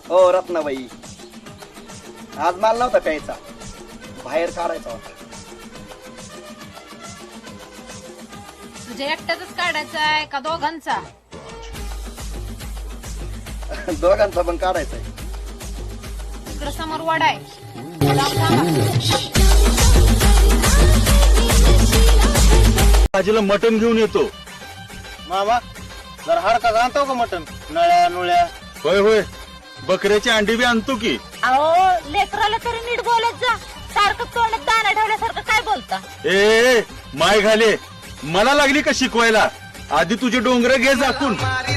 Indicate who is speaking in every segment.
Speaker 1: हो रत्नाबाई, आज माल नव्हता प्यायचा, बाहेर काढायचा होता.
Speaker 2: तुझ्या एकट्याच काढायचा आहे का दोघांचा?
Speaker 1: दोघांचा पण काढायचा आहे.
Speaker 2: इकडं समोर वाडा आहे.
Speaker 3: भाजीला मटण घेऊन येतो.
Speaker 4: मामा जरा हडका आणतो का मटण? नळ्या नुळ्या.
Speaker 3: होय होय, बकऱ्याची अंडी बी आणतो की.
Speaker 2: अहो लेकराला तरी नीट बोलत जा. सारखं तोंडात दाणा ठेवल्यासारखं काय बोलता?
Speaker 3: ए माय घाले, मला लागली का शिकवायला? आधी तुझे डोंगर घे झाकून.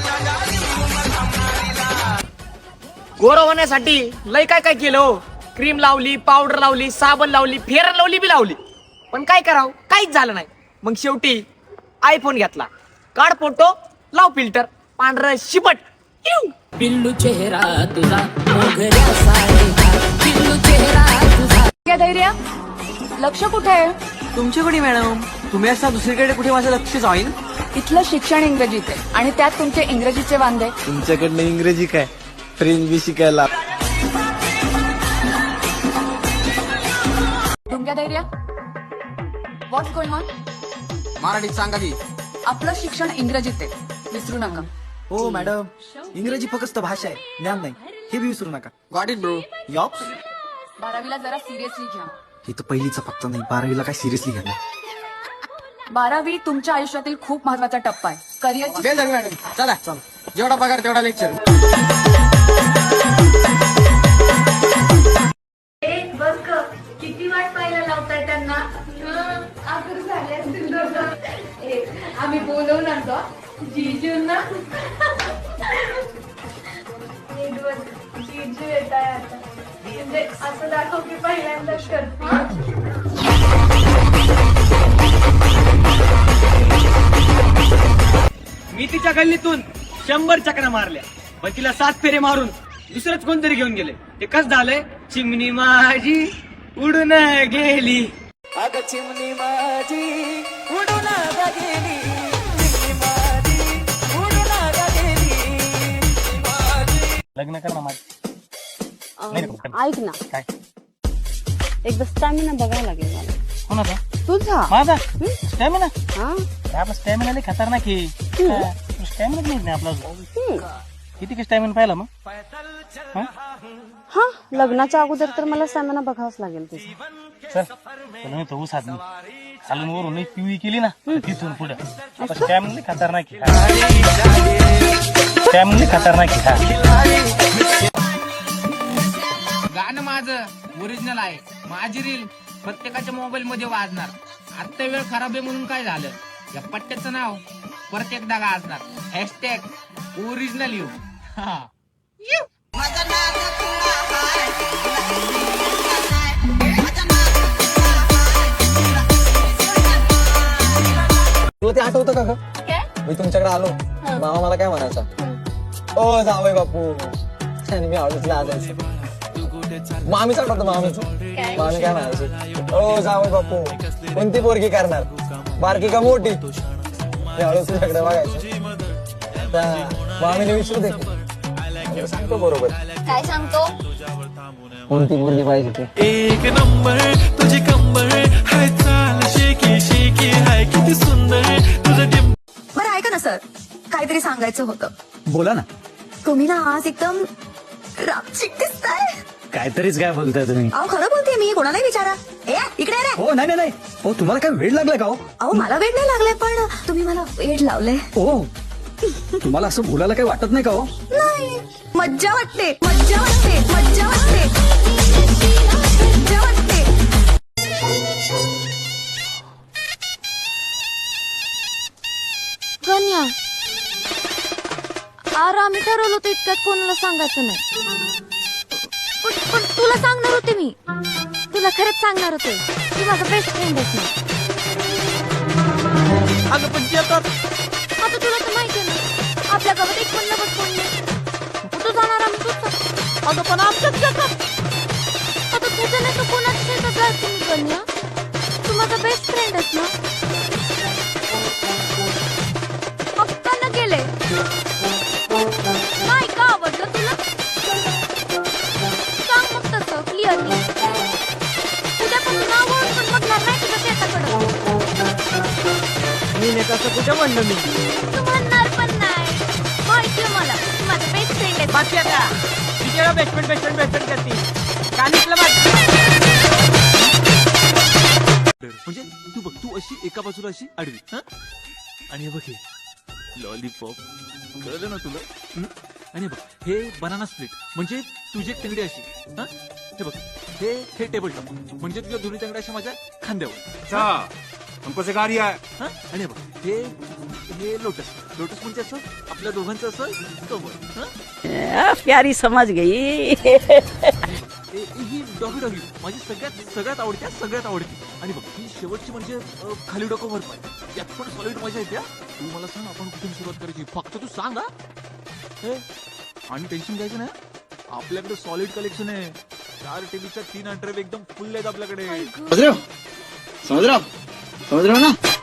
Speaker 5: गोर होण्यासाठी लय काय काय केलं हो. क्रीम लावली, पावडर लावली, साबण लावली, फेरन लावली बी लावली, पण काय करावं, काहीच झालं नाही. मग शेवटी आयफोन घेतला. काढ फोटो, लाव फिल्टर, पांढर शिपट.
Speaker 6: पिल्लू चेहरा तुझा मोगऱ्या सारखा, पिल्लू चेहरा तुझा.
Speaker 2: काय धैर्य? लक्ष कुठे आहे?
Speaker 5: तुमच्याकडे मॅडम, तुम्ही असता दुसरीकडे कुठे माझं लक्ष जाईल?
Speaker 2: इथलं शिक्षण इंग्रजीत आहे आणि त्यात तुमचे इंग्रजीचे वांदे.
Speaker 4: तुमच्याकडनं इंग्रजी काय, फ्रेंच बी शिकायला.
Speaker 2: तुमच्या धैर्य? What's going on?
Speaker 5: मराठीत सांगा की.
Speaker 2: आपलं शिक्षण इंग्रजीत आहे, विसरू नका.
Speaker 7: हो मॅडम, इंग्रजी फक्त भाषा आहे, ज्ञान नाही, हे बी विसरू नका.
Speaker 5: Got it bro.
Speaker 7: यॉप्स.
Speaker 2: 12वीला जरा सिरियसली घ्या.
Speaker 7: हे तर पहिलीचा फक्त नाही, 12वीला काय सिरियसली घ्या.
Speaker 2: 12वी तुमच्या आयुष्यातील खूप महत्वाचा टप्पा आहे. करिअर.
Speaker 5: मॅडम चला, जेवढा पगार तेवढा लेक्चर.
Speaker 2: किती वाट पाहायला लावताय त्यांना? आम्ही बोलवून आणतो जीजूंना. जीजू येत आहे आता, म्हणजे असं दाखव की पहिल्यांदाच करते.
Speaker 5: मी तिच्या गल्लीतून 100 चक्रा मारल्या, पण तिला 7 फेरे मारून दुसरंच कोणतरी घेऊन गेले. ते कसं झालंय? चिमणी माझी उडून गेली. अगं चिमणी माझी उडून गेली, चिमणी माझी उडून गेली.
Speaker 4: लग्न कर ना माझं.
Speaker 8: ऐक ना,
Speaker 4: काय?
Speaker 8: एकदा स्टॅमिना बघायला लागेल मला.
Speaker 4: कोणाचा?
Speaker 8: तुझा.
Speaker 4: माझा स्टॅमिना?
Speaker 8: हा
Speaker 4: आपला स्टॅमिना लई खतरनाक आहे. स्टॅमिना नाही आपला अजून. किती का स्टॅमिना पाहिला मग?
Speaker 8: हा, लग्नाच्या अगोदर तर मला स्टॅमिना बघावंच लागेल तुझा.
Speaker 4: चल तुला मी तो ऊसात नाही खालून वरून नाही पिवळी केली ना, तिथून पुढे स्टॅमिना लई खतरनाक आहे. स्टॅमिना लई खतरनाक आहे.
Speaker 5: गाणं माझं ओरिजिनल आहे. माझी रील प्रत्येकाच्या मोबाईल मध्ये वाजणार. आता वेळ खराब आहे म्हणून काय झालं, या पट्ट्याचं नाव परत एकदा गाजणार. Hashtag original you.
Speaker 7: तुला ते आठवतं का ग? मी तुमच्याकडे आलो, मामा मला काय म्हणायचा? ओ जावई बापू, आणि मी आवडीतला आजायचं. मामीच आठवतं मामीच. मामी काय म्हणायची? ओ जावई बापू, कोणती पोरगी करणार, बारकी का मोठी? मी हळूच तुझ्याकडे बघायचं. मामीने विचारू दे, सांगतो बरोबर.
Speaker 2: काय सांगतो?
Speaker 7: कोणती पोरगी पाहिजे ते.
Speaker 9: एक नंबर तुझी कंबर हाय, चाल शेकी शेकी हाय, किती सुंदर तुझं.
Speaker 10: बरं ऐका ना सर, काहीतरी सांगायचं होतं.
Speaker 7: बोला ना.
Speaker 10: तुम्ही ना आज एकदम रापचिक दिसताय.
Speaker 7: काहीतरीच काय बोलताय तुम्ही?
Speaker 10: अहो खरं बोलते मी, कोणालाही विचारा. ए इकडे रे.
Speaker 7: हो नाही नाही. हो तुम्हाला काय वेळ लागलाय का? हो
Speaker 10: अहो मला वेळ नाही लागलाय, पण तुम्ही मला वेळ लावलंय.
Speaker 7: हो, तुम्हाला असं बोलायला काही वाटत नाही का? हो
Speaker 10: नाही, मज्जा वाटते, मज्जा वाटते, मज्जा वाटते, मज्जा वाटते.
Speaker 2: कन्या, अरे आम्ही ठरवलं होतं इतक्यात कोणाला सांगायचं नाही. पण तुला सांगणार होते मी. तुला खरंच सांगणार होते की माझा बेस्ट फ्रेंड आहे.
Speaker 5: अगं पण
Speaker 2: आता तुला तर माहिती आहे ना, आपल्या गावात एक पण नवस कोण नाही. कुठं जाणार आम्ही तूच. अगं पण आमच्याच जगात आता तुझं नाही तर कोणाच शेतात जायचं मी कन्या. तू माझा बेस्ट फ्रेंड आहेस ना. हक्कानं केले. नाही का आवडलं तुला?
Speaker 5: तसं कुठे म्हणलं मी
Speaker 2: तू म्हणणार पण नाही. माहितीये मला तू माझा बेस्ट फ्रेंड आहे.
Speaker 5: बाकी आता किती वेळा बेस्टमेंट करते कानितलं
Speaker 9: म्हणजे तू बघ, तू अशी एका बाजूला अशी आडवी, हा? आणि हे बघ हे लॉलीपॉप, कळलं ना तुला? आणि बघ हे बनाना स्प्लिट म्हणजे तुझी एक तंगडी अशी, हा? हे बघ हे टेबल टॉप म्हणजे तुझ्या दोन्ही तंगड्या अशा माझ्या खांद्यावर.
Speaker 3: हमको सिखा रही है.
Speaker 9: हा? आणि हे बघ हे लोटस म्हणजे असं आपल्या दोघांचं असं कवर, हा?
Speaker 6: प्यारी समज गई.
Speaker 9: ही डॉगी माझी सगळ्यात आवडती. आणि बघ ही शेवटची म्हणजे खाली डोकं वर पाय, यात पण सॉलिड मजा येते. तू मला सांग आपण कुठून सुरुवात करायची, फक्त तू सांग. आणि टेन्शन घ्यायचं नाही, आपल्याकडे सॉलिड कलेक्शन आहे. 4 टीव्हीच्या 3 अंडरवेअर एकदम फुल आहेत आपल्याकडे.
Speaker 1: समझ रहे हो ना.